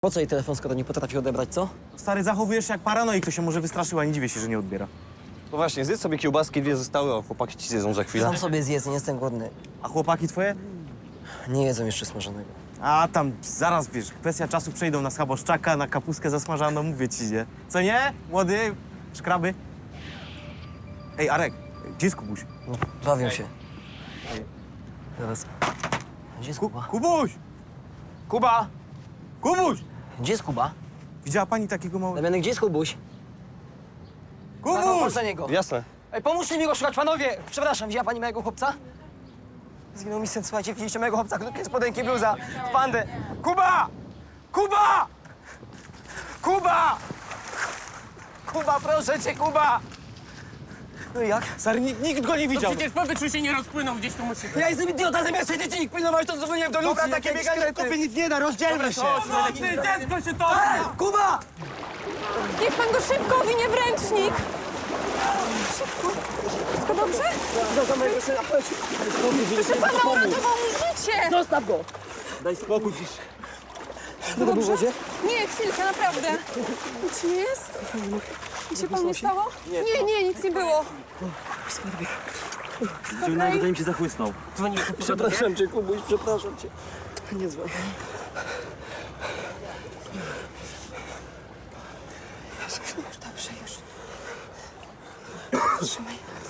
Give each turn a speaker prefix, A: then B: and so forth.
A: Po co jej telefon, skoro nie potrafi odebrać, co?
B: Stary, zachowujesz się jak paranoik, to się może wystraszyła, nie dziwię się, że nie odbiera.
C: No właśnie, zjedz sobie kiełbaski, 2 zostały, a chłopaki ci zjedzą za chwilę.
A: Sam sobie zjedz, nie jestem głodny.
B: A chłopaki twoje?
A: Nie jedzą jeszcze smażonego.
B: A tam zaraz, wiesz, kwestia czasu przejdą na schaboszczaka, na kapustkę zasmażaną, mówię ci, nie? Co nie? Młody? Szkraby? Ej, Arek, gdzie jest Kubuś?
A: No, bawią się. Zaraz. Gdzie jest Kuba?
B: Kubuś! Kuba! Kubuś!
A: Gdzie jest Kuba?
B: Widziała pani takiego małego...
A: Damianek, gdzie jest Kubuś?
B: Kubuś!
A: Chodź za niego.
C: Jasne.
A: Ej, pomóżcie mi go szukać, panowie! Przepraszam, widziała pani mojego chłopca? Zginął mi syn, słuchajcie, widzieliście mojego chłopca, który jest spodenki bluza, w pandę.
B: Kuba! Kuba! Kuba! Kuba, proszę cię, Kuba!
A: No i jak?
B: Stary, nikt go nie widział.
D: Przecież powietrzu się nie rozpłynął, gdzieś tu musi być.
A: Ja jestem idiota, zamiast siedzieć i ich pilnować, to dzwoniłem do Lucji.
B: Dobra, takie bieganie kopie nic nie da, rozdzielmy się.
D: Pomocy, dziecko się to...
A: Kuba!
E: Niech pan go szybko owinie w ręcznik! Szybko. Wszystko dobrze?
A: Do mojego syna, chodź.
E: Proszę pana, uratował mu życie!
A: Zostaw go!
B: Daj spokój, cisz.
A: Wszystko dobrze w wodzie?
E: Nie, chwilkę, naprawdę. Nic nie jest? Nic się panu nie stało? Nie, nic nie było. Spokojnie.
B: mi się zachłysnął.
A: Przepraszam cię, Kubuś, przepraszam cię. Nie dzwoń.
E: Dobrze, już. Trzymaj.